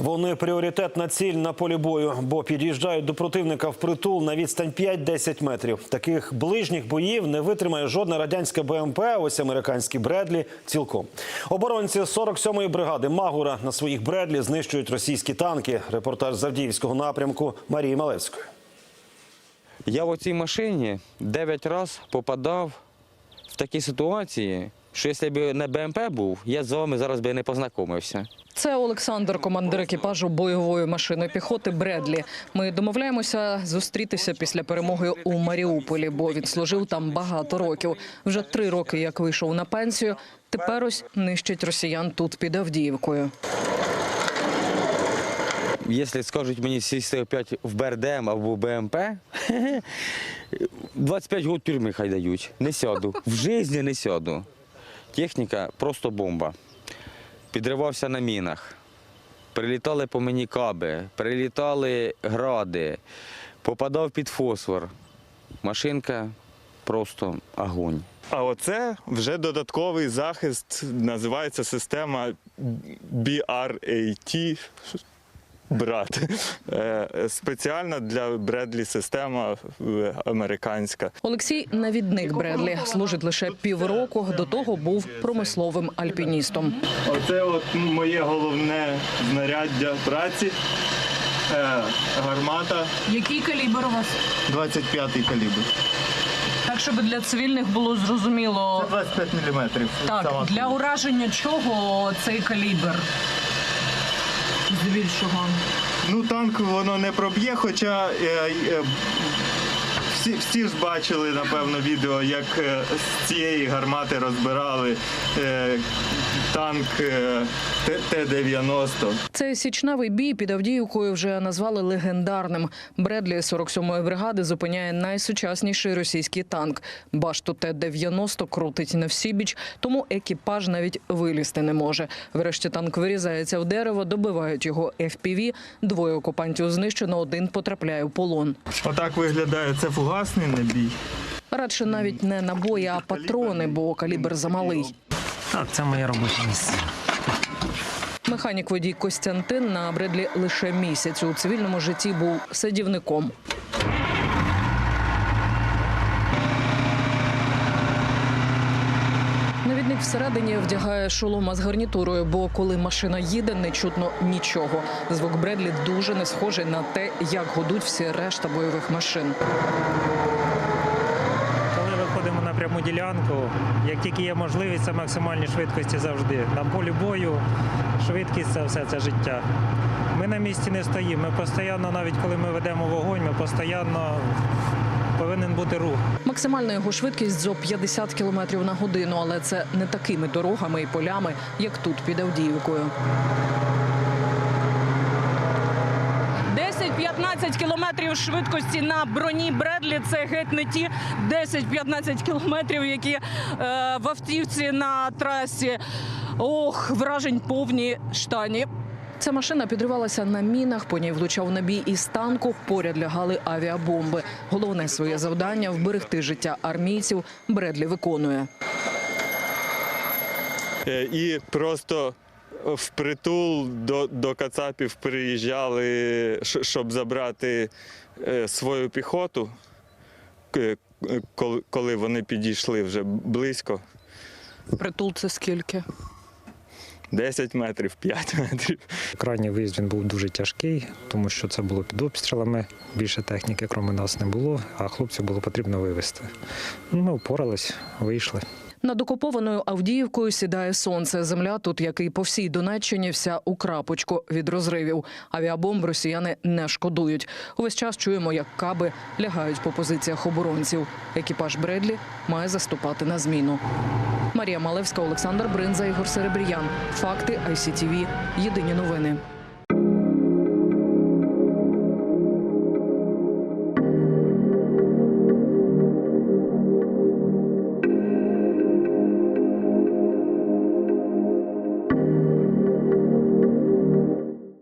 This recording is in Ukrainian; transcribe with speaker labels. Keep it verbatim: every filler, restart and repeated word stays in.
Speaker 1: Вони пріоритетна ціль на полі бою, бо під'їжджають до противника впритул на відстань п'ять-десять метрів. Таких ближніх боїв не витримає жодна радянська БМП, ось американські Бредлі цілком. Оборонці сорок сьомої бригади Магура на своїх Бредлі знищують російські танки. Репортаж з Авдіївського напрямку Марії Малевської.
Speaker 2: Я в цій машині дев'ять разів попадав в такі ситуації, що якщо б не БМП був, я з вами зараз би не познайомився.
Speaker 3: Це Олександр, командир екіпажу бойової машини піхоти «Бредлі». Ми домовляємося зустрітися після перемоги у Маріуполі, бо він служив там багато років. Вже три роки, як вийшов на пенсію, тепер ось нищить росіян тут під Авдіївкою.
Speaker 2: Якщо скажуть мені сісти опять в БРДМ або БМП, двадцять п'ять років тюрми хай дають. Не сяду. В житті не сяду. Техніка просто бомба. Підривався на мінах. Прилітали по мені каби, прилітали гради, попадав під фосфор. Машинка просто огонь.
Speaker 4: А оце вже додатковий захист, називається система бі ар ей ті. Брат. Спеціальна для Бредлі система американська.
Speaker 3: Олексій – навідник Бредлі. Служить лише півроку, до того був промисловим альпіністом.
Speaker 4: Оце от моє головне знаряддя праці. Гармата.
Speaker 3: Який калібр у вас?
Speaker 4: двадцять п'ятий калібр.
Speaker 3: Так, щоб для цивільних було зрозуміло.
Speaker 4: Це двадцять п'ять міліметрів.
Speaker 3: Так, для ураження чого цей калібр? Здебільшого.
Speaker 4: Ну, танк воно не проб'є, хоча е, е, всі, всі ж бачили, напевно, відео, як е, з цієї гармати розбирали е, танк е, Т дев'яносто.
Speaker 3: Цей січневий бій під Авдіївкою вже назвали легендарним. Бредлі сорок сьомої бригади зупиняє найсучасніший російський танк. Башту Т дев'яносто крутить на всібіч, тому екіпаж навіть вилізти не може. Врешті танк вирізається в дерево, добивають його еф пі ві. Двоє окупантів знищено, один потрапляє в полон.
Speaker 4: Отак виглядає, це фугасний набій.
Speaker 3: Радше навіть не набої, а патрони, бо калібр замалий.
Speaker 5: Так, це моє робоче місце.
Speaker 3: Механік-водій Костянтин на Бредлі лише місяць. У цивільному житті був садівником. Навідник всередині вдягає шолома з гарнітурою, бо коли машина їде, не чутно нічого. Звук Бредлі дуже не схожий на те, як гудуть всі решта бойових машин.
Speaker 5: Коли виходимо на пряму ділянку, як тільки є можливість, це максимальні швидкості завжди. На полі бою швидкість – це все, це життя. Ми на місці не стоїмо, ми постійно, навіть коли ми ведемо вогонь, ми постійно повинен бути рух.
Speaker 3: Максимальна його швидкість – зо п'ятдесят кілометрів на годину, але це не такими дорогами і полями, як тут під Авдіївкою. десять-п'ятнадцять кілометрів швидкості на броні Бредлі – це геть не ті десять-п'ятнадцять кілометрів, які е, в автівці на трасі. Ох, вражень повні штані. Ця машина підривалася на мінах, по ній влучав набій із танку, поряд лягали авіабомби. Головне своє завдання – вберегти життя армійців Бредлі виконує.
Speaker 4: І просто впритул до, до кацапів приїжджали, щоб забрати свою піхоту, коли вони підійшли вже близько.
Speaker 3: Притул – це скільки?
Speaker 4: десять метрів, п'ять метрів.
Speaker 5: Крайній виїзд він був дуже тяжкий, тому що це було під обстрілами. Більше техніки, крім нас, не було, а хлопців було потрібно вивезти. Ми впорались, вийшли.
Speaker 3: Над окупованою Авдіївкою сідає сонце. Земля тут, як і по всій Донеччині, вся у крапочку від розривів. Авіабомб росіяни не шкодують. Увесь час чуємо, як каби лягають по позиціях оборонців. Екіпаж Бредлі має заступати на зміну. Марія Малевська, Олександр Бринза, Ігор Серебріян. Факти, ай сі ті ві. Єдині новини.